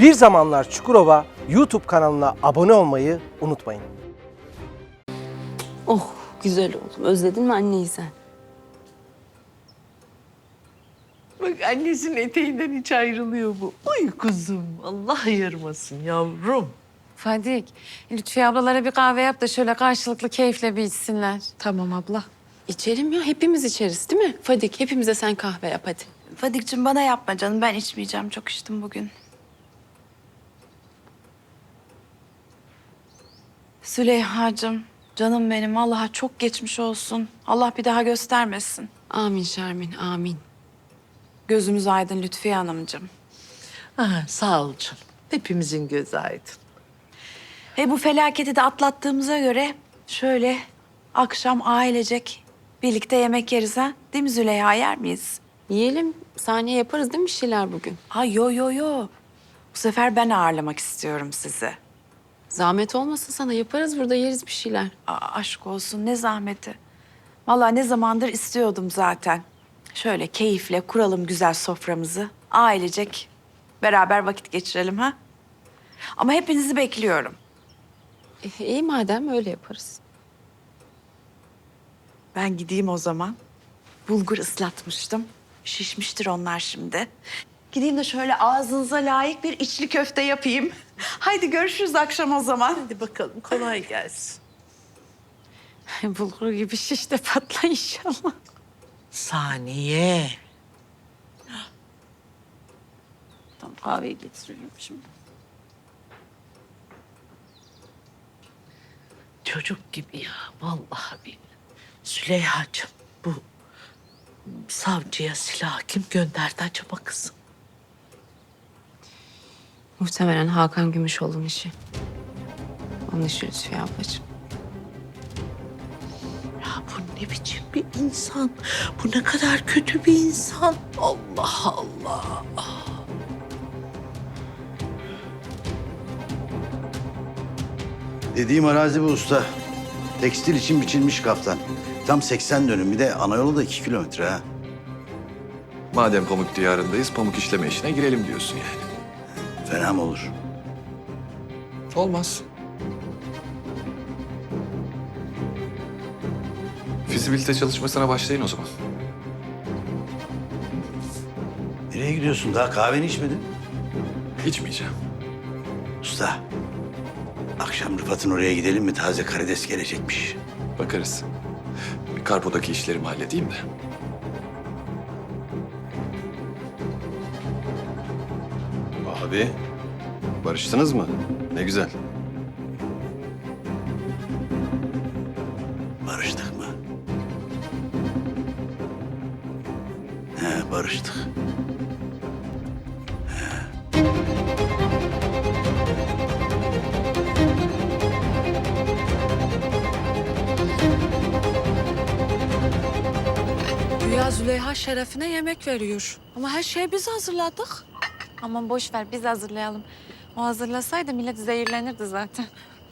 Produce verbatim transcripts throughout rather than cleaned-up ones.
Bir Zamanlar Çukurova YouTube kanalına abone olmayı unutmayın. Oh güzel oğlum. Özledin mi anneyi sen? Bak annesinin eteğinden hiç ayrılıyor bu. Ay kuzum, Allah ayırmasın yavrum. Fadik, Lütfiye ablalara bir kahve yap da şöyle karşılıklı keyifle bir içsinler. Tamam abla. İçelim ya. Hepimiz içeriz değil mi? Fadik hepimize sen kahve yap hadi. Fadik'cim bana yapma canım. Ben içmeyeceğim. Çok içtim bugün. Süleyha'cığım, canım benim. Allah'a çok geçmiş olsun. Allah bir daha göstermesin. Amin Şermin amin. Gözümüz aydın Lütfiye Hanımcığım. Ha, sağ ol canım. Hepimizin gözü aydın. Ve bu felaketi de atlattığımıza göre şöyle akşam ailecek birlikte yemek yeriz ha. Değil mi Züleyha, yer miyiz? Yiyelim. Saniye yaparız değil mi bir şeyler bugün? Ha yo yo yo. Bu sefer ben ağırlamak istiyorum sizi. Zahmet olmasın sana. Yaparız burada yeriz bir şeyler. Aa, aşk olsun ne zahmeti. Vallahi ne zamandır istiyordum zaten. Şöyle keyifle kuralım güzel soframızı. Ailecek beraber vakit geçirelim ha. Ama hepinizi bekliyorum. E, iyi madem öyle yaparız. Ben gideyim o zaman. Bulgur ıslatmıştım. Şişmiştir onlar şimdi. Gideyim de şöyle ağzınıza layık bir içli köfte yapayım. Haydi görüşürüz akşam o zaman. Hadi bakalım, kolay gelsin. Bulgur gibi şiş de patla inşallah. Saniye. Tamam kahveyi getiriyorum şimdi. Çocuk gibi ya, vallahi billahi. Süleyha'cığım, bu savcıya silah kim gönderdi acaba kızım? Muhtemelen Hakan Gümüşoğlu'nun işi. Onun işi Lütfiye ablacığım. Ya bu ne biçim bir insan? Bu ne kadar kötü bir insan. Allah Allah. Dediğim arazi bu usta. Tekstil için biçilmiş kaftan. Tam seksen dönüm, bir de ana yolu da iki kilometre ha. Madem pamuk diyarındayız, pamuk işleme işine girelim diyorsun yani. Fena mı olur? Olmaz. Fizibilite çalışmasına başlayın o zaman. Nereye gidiyorsun? Daha kahveni içmedin. İçmeyeceğim. Usta, akşam Rıfat'ın oraya gidelim mi? Taze karides gelecekmiş. Bakarız. Bir karpodaki işlerimi halledeyim de. Abi, barıştınız mı? Ne güzel. Barıştık mı? He, barıştık. Güya Züleyha şerefine yemek veriyor. Ama her şeyi biz hazırladık. Aman boş ver biz hazırlayalım. O hazırlasaydı millet zehirlenirdi zaten.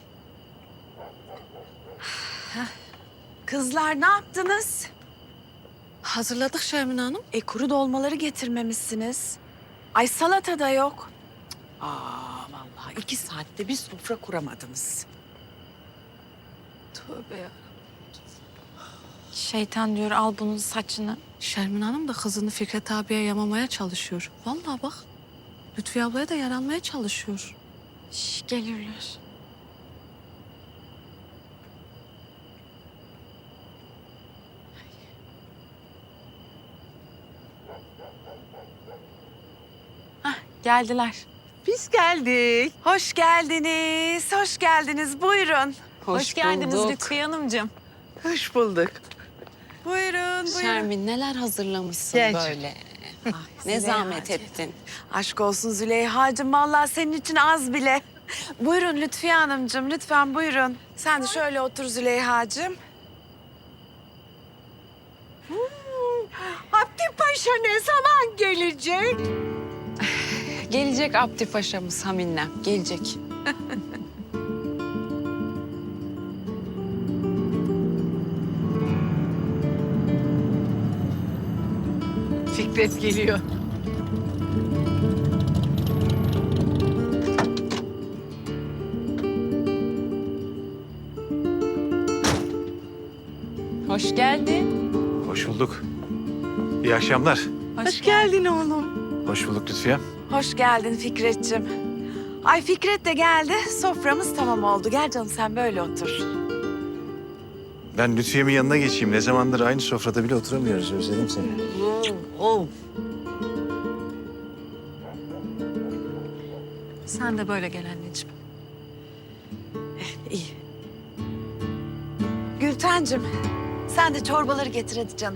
Kızlar ne yaptınız? Hazırladık Şermin Hanım. E kuru dolmaları getirmemişsiniz. Ay salata da yok. Aa vallahi iki saatte bir sofra kuramadınız. Tövbe ya. Şeytan diyor al bunun saçını. Şermin Hanım da kızını Fikret abiye yamamaya çalışıyor. Vallahi bak. Lütfiye ablaya da yaranmaya çalışıyor. Şş, gelirler. Hah, geldiler. Biz geldik. Hoş geldiniz, hoş geldiniz. Buyurun. Hoş, geldiniz Lütfiye Hanımcığım. Hoş bulduk. Buyurun, buyurun. Şermin neler hazırlamışsın Gel. böyle. Ne zahmet ettin. Aşk olsun Züleyha'cığım. Vallahi senin için az bile. Buyurun Lütfiye Hanımcığım, lütfen buyurun. Sen de şöyle otur Züleyha'cığım. Abdi Paşa ne zaman gelecek? Gelecek Abdi Paşa'mız Haminle. Gelecek. Fikret geliyor. Hoş geldin. Hoş bulduk. İyi akşamlar. Hoş geldin oğlum. Hoş bulduk Lütfiye. Hoş geldin Fikret'cim. Ay Fikret de geldi. Soframız tamam oldu. Gel canım sen böyle otur. Ben Lütfiye'min yanına geçeyim. Ne zamandır aynı sofrada bile oturamıyoruz. Özledim seni. Oh. Sen de böyle gel anneciğim. İyi. Gültencim sen de çorbaları getir hadi canım.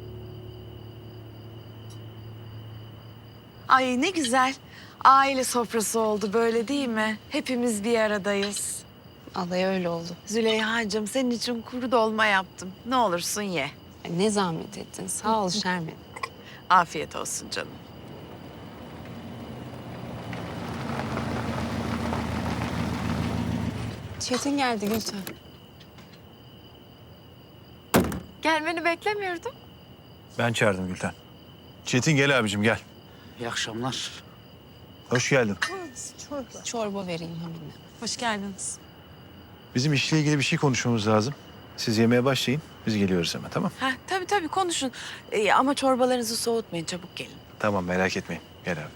Ay ne güzel. Aile sofrası oldu böyle değil mi? Hepimiz bir aradayız. Vallahi öyle oldu. Züleyha'cığım senin için kuru dolma yaptım. Ne olursun ye. Ay, ne zahmet ettin. Sağ ol Şermin. Afiyet olsun canım. Çetin geldi Gülten. Gelmeni beklemiyordum. Ben çağırdım Gülten. Çetin gel abicim gel. İyi akşamlar. Hoş geldin. Çorba vereyim Hamine. Hoş geldiniz. Bizim işle ilgili bir şey konuşmamız lazım. Siz yemeğe başlayın. Biz geliyoruz hemen tamam? Ha tabii tabii konuşun. Ee, ama çorbalarınızı soğutmayın çabuk gelin. Tamam merak etmeyin. Gel abi.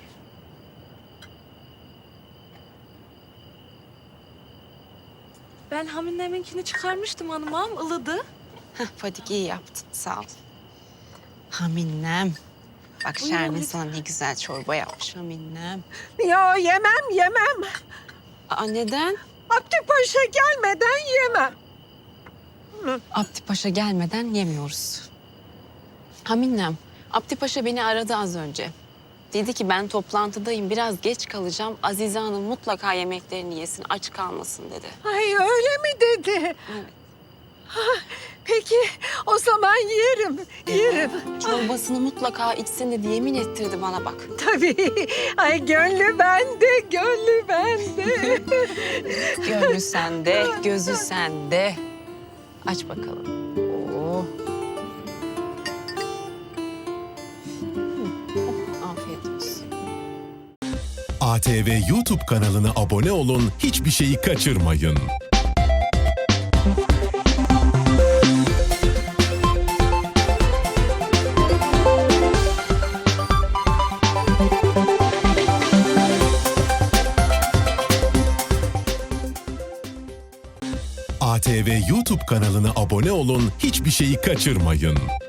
Ben Hamine'minkini çıkarmıştım hanım ağam, ılıdı. Heh, Fadik iyi yaptın. Sağ ol. Haminem. Bak Şermin sana ne güzel çorba yapmış Haminem. Ya yemem yemem. Aa neden? Abdü Paşa gelmeden yemem. Abdi Paşa gelmeden yemiyoruz. Haminem, Abdi Paşa beni aradı az önce. Dedi ki ben toplantıdayım, biraz geç kalacağım. Azize Hanım mutlaka yemeklerini yesin, aç kalmasın dedi. Ay öyle mi dedi? Ha, peki o zaman yerim, yerim. Çorbasını mutlaka içsin dedi, yemin ettirdi bana bak. Tabii. Ay gönlü bende, gönlü bende. Gönlü sende, gözü sende. Aç bakalım. Oo. Hı, oh, afiyet olsun. A T V YouTube kanalına abone olun, hiçbir şeyi kaçırmayın. A T V YouTube kanalına abone olun, hiçbir şeyi kaçırmayın.